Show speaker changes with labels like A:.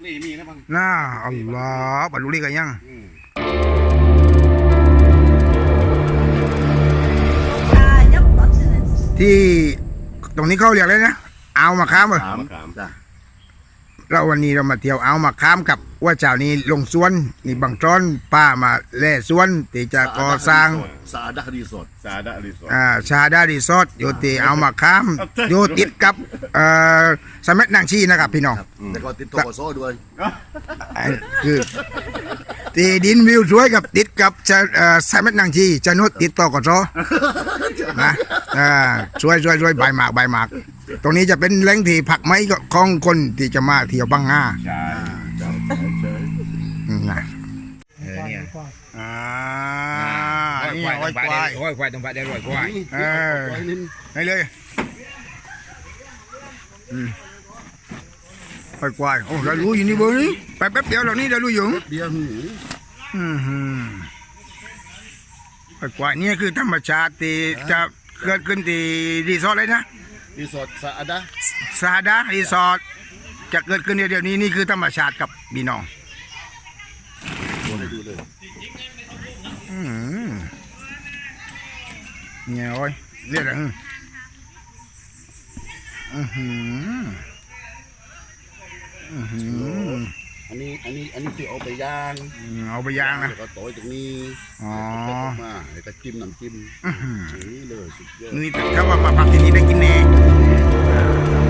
A: นี่มีนะบัง
B: น่าอัลลอฮ์บรรลุลีกันยังที่ตรงนี้เขาเรียกเลยนะเอามาค้ามเลยเราวันนี้เรามาเที่ยวเอามาค้ามกับว่าเจ้านี้ลงสวนนี่บางจ้อนป้ามาแล่สวนที่จะก่อสร้าง
A: ซาดารีสอร์ท
B: ชาดารีสอร์ทอยู่ที่เอามาค้ามอยู่ติดกับสมัยนางชีนะครับพี่น้อง
A: แล้วก็ติดโตโซด้วย
B: คือที่ดินวิวสวยกับติดกับสมัยนางชีจะนุดติดต่อกับโซนะช่วยใบหมากตรงนี้จะเป็นแหล่งที่ผักไม้ของคนที่จะมาเที่ยวบังงา
A: ใช่
B: นะ
C: เนี่ย
B: นี่ห้อย
C: ควายตรงปลาได้ร้อยควาย
B: ให้เลยห้อยควายโอ้เรารู้อยู่นี่เบอร์นี้ไปแป๊บเดียวเหล่านี้เรารู้อยู่
A: เดียว
B: ห้อยควายนี่คือธรรมชาติที่จะเกิดขึ้นที่รีสอร์ทเลยนะ
A: รีสอร์ทซาดา
B: รีสอร์ทจะเกิดขึ้นเดี๋ยวนี้นี่คือธรรมชาติกับพี่น้องเนี่ยโอ้ยเรียกอะไร
A: อันนี้คือเอาไปย่าง
B: นะ
A: แล้วก็โตยตรงนี้มาแล้วก็จิ้มน้ำจิ้มนี่เลยสุดยอด
B: นี่ถ้าว่ามาพักที่นี่ได้กินแน่